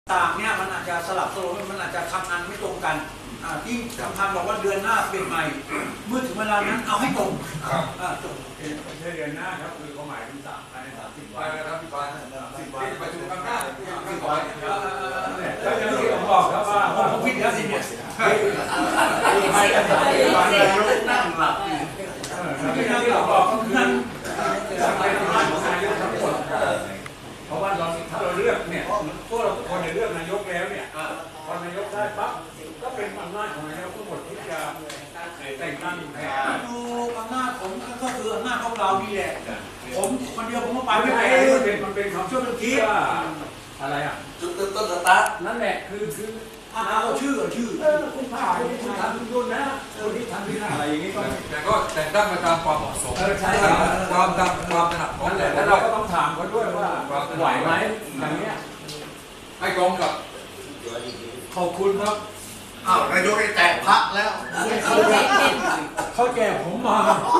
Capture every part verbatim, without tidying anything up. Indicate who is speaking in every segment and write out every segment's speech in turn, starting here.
Speaker 1: ต่างเนี่ยมันอาจจะสลับสลบมันอาจจะทำงานไม่ตรงกันที่สำคัญบอกว่าเดือนหน้าเปลี่ยนใหม่เมื่อถึงเวลานั้นเอาให้ตรงจบ
Speaker 2: ไม่ใช่เดือนหน้าครับคือเขาหมายถึงสามภายในสามสิบวันนะครับพี่ปานสิบวันประชุมครั้งหน้าสิบวันแล้วอย่างที่ผมบอกครับว่าผมผิดแล้วสิเนี่ยไม่กันสามสิบวันนั่งหลับที่นั่งหลับบอกก็คือสังเกตว่าของนายกทั้งหมดเพราะว่าเราถ้าเราเลือกเนี่ยพวกเราทุกคนเลือกนายกแล้วเนี่ยพอนายกได้ปั๊บก็เป็นอำนาจของนายกทั้งหมดที่จะแต่งตั้งแทน
Speaker 1: ดูอำนาจผมก็คืออำนาจของเรานี่แหละผมคนเดียวผมก็ไปไม่
Speaker 2: ไ
Speaker 1: ได้
Speaker 2: มันเป็นมันเป็นคำช่วยคิดว่าอะไรอ่ะ
Speaker 3: จุดเริ่มต้นสตาร์ท
Speaker 2: นั่นแหละคือคือ
Speaker 1: เอาชื่อชื่อ
Speaker 2: เออคุณผ่าคนที่ทำยุ่นนะคนที่ทำที่อะไรอย่างนี้ก็
Speaker 4: แต่ก็แต่งตั้งไปตามความเหมาะสมความตามความถนัดของแต่
Speaker 2: แล้วเราก็ต้องถามเขาด้วยว่าไหวไหมอย่างเนี้ย
Speaker 4: ให้ตรงกับ
Speaker 2: ขอบคุณครับ
Speaker 3: อ้าวนายกได้แจกพระแล้ว
Speaker 2: เขาแจกผมมา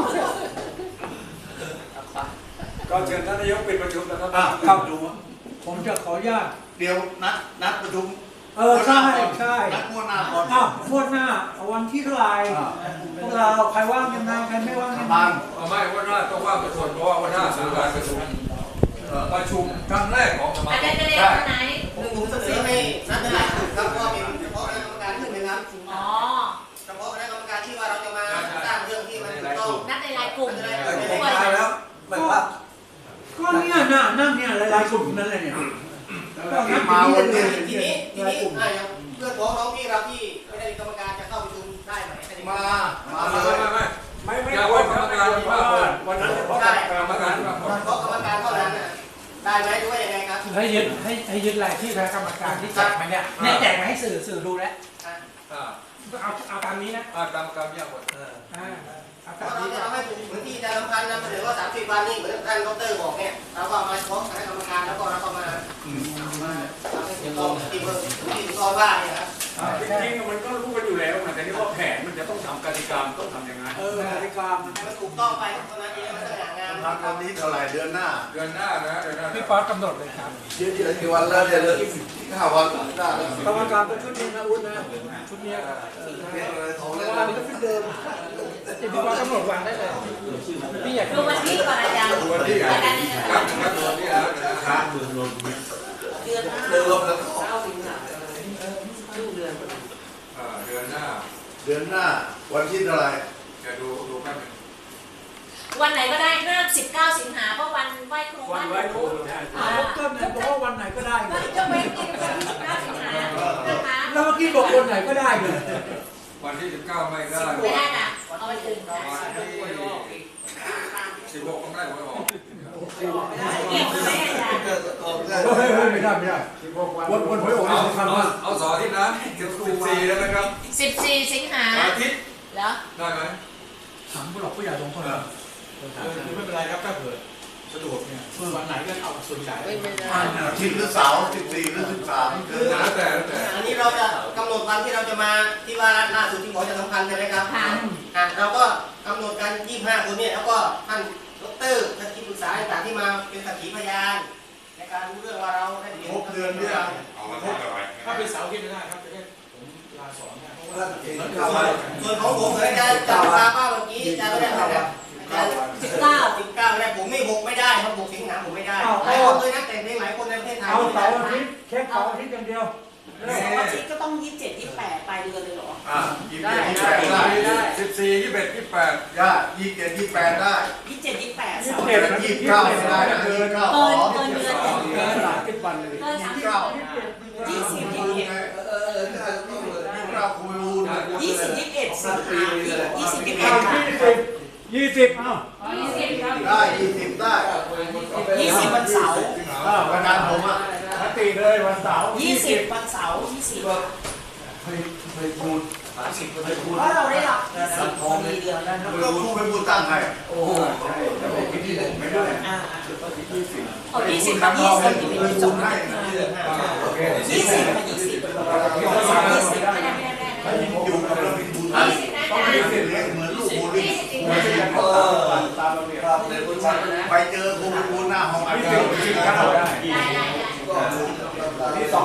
Speaker 2: ก็เชิญท่านนายกเป็นประชุมนะครับ
Speaker 1: ครับดูผมจะขออนุญาต
Speaker 3: เดี๋ยวนัดนัดประชุม
Speaker 1: เออใช่ใช่
Speaker 3: นัดงวดหน้าก่อน
Speaker 1: อ้าวงวดหน้าวันที่เท่าไหร่พวกเราใครว่างยังไงใครไม่ว่างยังไง
Speaker 4: ไม่วันหน้าต้องว่างประชุมเพราะว่าวันหน้าสำนักงานประชุมประชุมครั้งแรกของสมาคม
Speaker 5: อาจารย์จะเรียนวันไหน
Speaker 6: หนึ่งผมเสนอให้นัดได้ครับเพราะเป็นเฉพาะคณะกรรมการขึ้นนะครับ
Speaker 5: อ๋อ
Speaker 6: เฉพาะคณะกรรมการที่ว่าเราจะมาสร้างเรื่องที่มันถูกต้อง
Speaker 5: นัดในรายกลุ่ม
Speaker 3: เลยแล้วแบบว่า
Speaker 1: ก็เนี่ยน่ะนั่งเนี่ยหลายๆกลุ่มนั่นแหละเนี่ย
Speaker 3: มาวันนี้
Speaker 6: ทีนี้ทีนี้เพื่อนพ้องน้องพี่เราที่ไม่ได้กรรมการจะเข้าประชุมได้ไหม
Speaker 3: มามา
Speaker 4: ไม่ไม่ไม่
Speaker 2: ไม่ไม่ควรกรรมการที่ว่าวันนั้นเฉพาะกรรมการ
Speaker 6: เฉพาะกรรมการเท่านั้นได้ไหมหรือว่ายังไงครับ
Speaker 7: ให้ยึดให้ให้ยึดรายที่คณะกรรมการที่แจกมาเนี่ยเนี่ยแจกมาให้สื่อสื่อดูแล้วเอาเอาตามนี้นะ
Speaker 4: ตามกรรมยากหมด
Speaker 6: เพราะเราจะทำให้เหมือนที่อาจารย์สำคัญนำเสนอว่าสามสิบวันนี่เหมือนท่านดรบอกเนี่ยเราก็มาเฉพาะคณะกรรมการแล้วก็เราก็มามาทำให้ถูกต้องที่เบอร์ที่ถูกต้องว่าเนี่ยครับ
Speaker 2: จริงๆมันก็รู้กันอยู่แล้วแต่นี่ว่าแผนมันจะต้องทำกติกาต้องทำยังไง
Speaker 1: เออกติกา
Speaker 6: มันให้มันถูกต้องไปเท่านั้นเองมันสง่างาม
Speaker 3: ทำวันนี้เท่าไหร่เดือนหน้า
Speaker 4: เดือนหน้านะเดือนหน้า
Speaker 7: พี่ป๊อตกำหนดเลยครับ
Speaker 3: เยอะๆกี่วันแล้วเดี๋ยวเลยห้าวันได้
Speaker 1: กรรมการก็ชุดนี้นะอุ้นนะชุดนี้
Speaker 3: ของเล่น
Speaker 1: วันนี้ก็ชุดเดิม
Speaker 7: พี่ป๊อตกำหนดวันได้เลยพี่อยาก
Speaker 5: ดูวันที่ก่อนอาจารย์
Speaker 4: วันที่อาจารย์ครับครับวันที่แล้วนะครับ
Speaker 5: เดือนหน้า
Speaker 3: เดือนเดือนแล้ว
Speaker 5: เก้าสิงหาคมเดือน
Speaker 4: เดือนหน้า
Speaker 3: เดือนหน้าวันที่เท่าไหร่
Speaker 4: จะดูดูแป๊บนึง
Speaker 5: วันไหนก็ได้ห้าสิบเก้าสิงหาเพราะวันไหว้ครู
Speaker 2: วันไหว้ครู
Speaker 1: ก็ไหนบอกว่าวันไหนก็ได้เลย
Speaker 5: จะไม่กินวันที่สิบเก้าสิงหานะคะ
Speaker 1: แล้วเมื่อกี้บอกวันไหนก็ได้เลย
Speaker 4: วันที่สิบเก้าไม่ได้
Speaker 5: ไม่ได้นะเอาไปถึง
Speaker 4: วันที่สิบหกต้องได้ไว้ออก
Speaker 5: อีกไม่ได้อาจารย์
Speaker 1: ไม่ได้ไม่ได้วันวันหวยออกสำคัญมาก
Speaker 4: เอาสอที่นะสิบสี่แล้วนะครับ
Speaker 5: สิบสี่สิงหา
Speaker 4: อาทิตย์
Speaker 5: เหรอ
Speaker 4: ได้ไหม
Speaker 1: ถามผู้หลักผู้ใหญ่สองคน
Speaker 7: คือไม่เป็นไรครับถ้าเกิดสะดวกเนี่ยวันไหนก็เอาส่วนใหญ่
Speaker 3: อาทิตย์หรือเสาร์สิบสี่หรือสิบสาม
Speaker 4: คือแล้วแต่แล้วแต่
Speaker 6: อันนี้เราจะกำหนดวันที่เราจะมาที่ว่าล่าสุดที่หมอจะสำคัญใช่ไหมครับเราก็กำหนดกันยี่สิบห้าคนเนี่ยแล้วก็ท่านดรท่านที่ปรึกษาต่างที่มาเป็นสักขีพยานในการรู้เรื่องว่าเราได้เรียน
Speaker 3: ครบเดือนด้วย
Speaker 7: ถ้าเป็นเสาร์ที่ไม่ได้ครับจะได้ผมลาสอนได้เพราะ
Speaker 6: ว่าส่วนของผมเหมือนกันจับปลาป้าเมื่อกี้จะไม่ได้นะ
Speaker 5: สิบเก้า
Speaker 6: สิบเก้าเนี่ยผมไม่หกไม่ได้ครับหกสิงหาผมไม่ได้หลายคนเลยนักแต่งเพลงหลายคนในประเทศไทย
Speaker 1: เอาเสาร์อาทิตย์แค่เสาร์อาทิตย์อย่างเดียว
Speaker 5: เสาร์อาทิตย์ก็ต้องยี่สิบเจ็ดยี่สิบแปดปลายเดือนเลยเหรอ
Speaker 3: อ่ายี่สิบเจ็ดยี่สิบแปดได้
Speaker 4: สิบสี่ยี่สิบเอ็ดยี่สิบแปด
Speaker 3: ได้ยี่สิบเจ็ดยี่สิบแปดได้
Speaker 5: ยี่สิบเจ็ดยี่สิบแปด
Speaker 1: ยี่สิ
Speaker 5: บ
Speaker 1: เจ็ดยี่สิบเก้า
Speaker 3: ได้เกินเกิน
Speaker 5: เกินเกินเดือน
Speaker 1: เกินสามสิบวันเลย
Speaker 5: เกินสามสิบวันยี่สิบยี่สิบเอ็ด
Speaker 3: เออเราคุยวูน
Speaker 5: ยี่สิบยี่สิบเอ็ดสิงหายี่สิบยี่สิบเอ็ด
Speaker 1: ยี่สิบเอ้า
Speaker 5: ยี่สิบครับ
Speaker 3: ได้ยี่สิบได้
Speaker 5: ยี่สิบวันเสาร์
Speaker 3: วันนั้นผมอ่ะ
Speaker 1: ตีเลยวันเสาร์
Speaker 5: ยี่สิบวันเสาร์ยี่สิบ
Speaker 3: เคยเคยพูดสามสิบเคยพูด
Speaker 5: เพราะเราได้รับสิบของมีเดือนแล้ว
Speaker 3: ก็พูดไปพูดตั้งให้
Speaker 1: โอ้โหใช่แต่ผมคิดที่ผมไม่ได้
Speaker 5: อ่า
Speaker 1: ยี่สิบ
Speaker 5: อ๋อยี่สิบครับยี่สิบยี่สิบสองให้ยี่สิบยี่สิบยี่สิบไม่ได้ไม่ได้ไม่ได้
Speaker 3: อยู่กับเราเป็นบุญต้องมีเสียงเหมือนลูกบุญเหมือนที่เขาตามระเบียบไปเจอครูบุญหน้าห้องอาจารย์
Speaker 1: นี่สองวันสิบ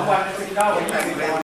Speaker 2: เก้า